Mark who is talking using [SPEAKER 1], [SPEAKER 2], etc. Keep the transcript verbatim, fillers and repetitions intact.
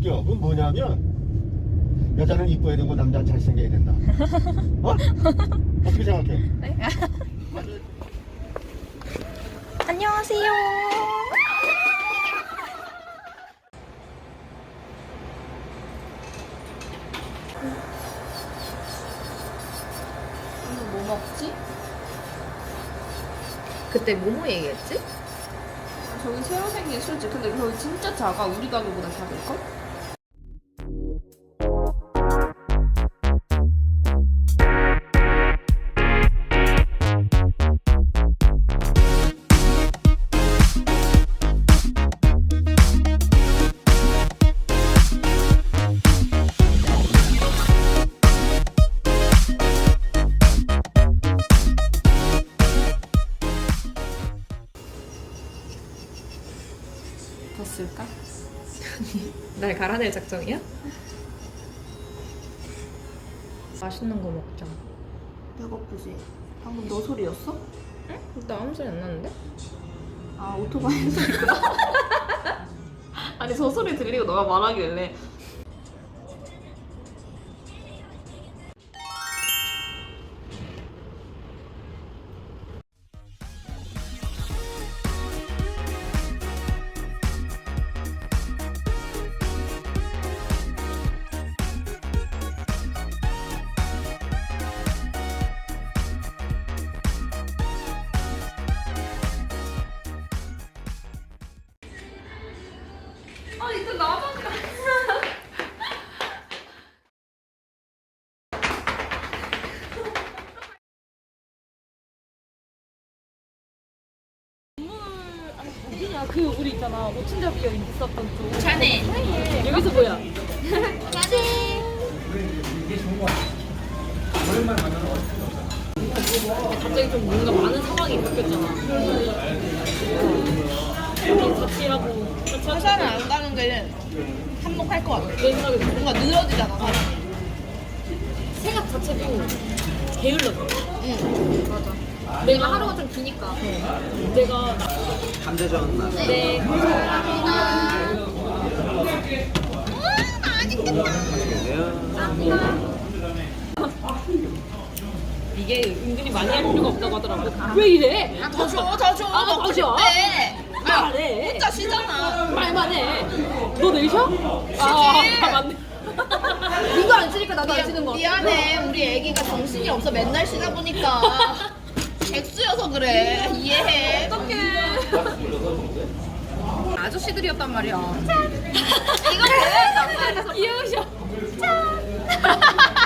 [SPEAKER 1] 웃겨. 그건 뭐냐면 여자는 이뻐야 되고 남자는 잘생겨야 된다. 어? 어떻게 생각해?
[SPEAKER 2] 네? 안녕하세요.
[SPEAKER 3] 오늘 뭐 먹지?
[SPEAKER 2] 그때 뭐뭐 얘기했지?
[SPEAKER 3] 저기 새로 생긴 술집. 근데 저기 진짜 작아. 우리 가게보다 작을걸? 됐을까?
[SPEAKER 2] 날 갈아낼 작정이야? 맛있는 거 먹자.
[SPEAKER 3] 배고프지? 방금 너 소리였어?
[SPEAKER 2] 응? 나 아무 소리 안 나는데?
[SPEAKER 3] 아, 오토바이 소리구나. 아니, 저 소리 들리고 너가 말하길래. 아, 이제 나만 가.
[SPEAKER 4] 어디냐 그 우리 있잖아 모친잡기가 있었던 쪽
[SPEAKER 2] 자네.
[SPEAKER 4] 여기서 뭐야? 갑자기 좀 뭔가 많은 상황이 바뀌었잖아. 여기 자취하고
[SPEAKER 5] 회사는 안 가는 게 한몫할 것 같아.
[SPEAKER 4] 내 생각에
[SPEAKER 5] 뭔가 늘어지잖아, 사람이.
[SPEAKER 4] 생각 자체도 게을러져.
[SPEAKER 5] 응.
[SPEAKER 4] 맞아. 내가 하루가 좀 기니까. 내가
[SPEAKER 1] 감자전 나.
[SPEAKER 4] 네. 이게 은근히 많이 할 필요가 없다고 하더라고. 왜 이래?
[SPEAKER 5] 더 줘, 더 줘.
[SPEAKER 4] 아, 더 줘?
[SPEAKER 5] 네.
[SPEAKER 4] 말해.
[SPEAKER 5] 혼자 쉬잖아.
[SPEAKER 4] 말만 해. 너 내일 쉬어? 아, 아 맞네. 이거 안 쓰니까 나도 안 쓰는 거.
[SPEAKER 5] 미안해. 우리 애기가 정신이 없어. 맨날 쉬다 보니까. 백수여서 그래. 이해해.
[SPEAKER 4] 어떡해.
[SPEAKER 2] 아저씨들이었단 말이야.
[SPEAKER 5] 이거 뭐야?
[SPEAKER 4] 귀여우셔.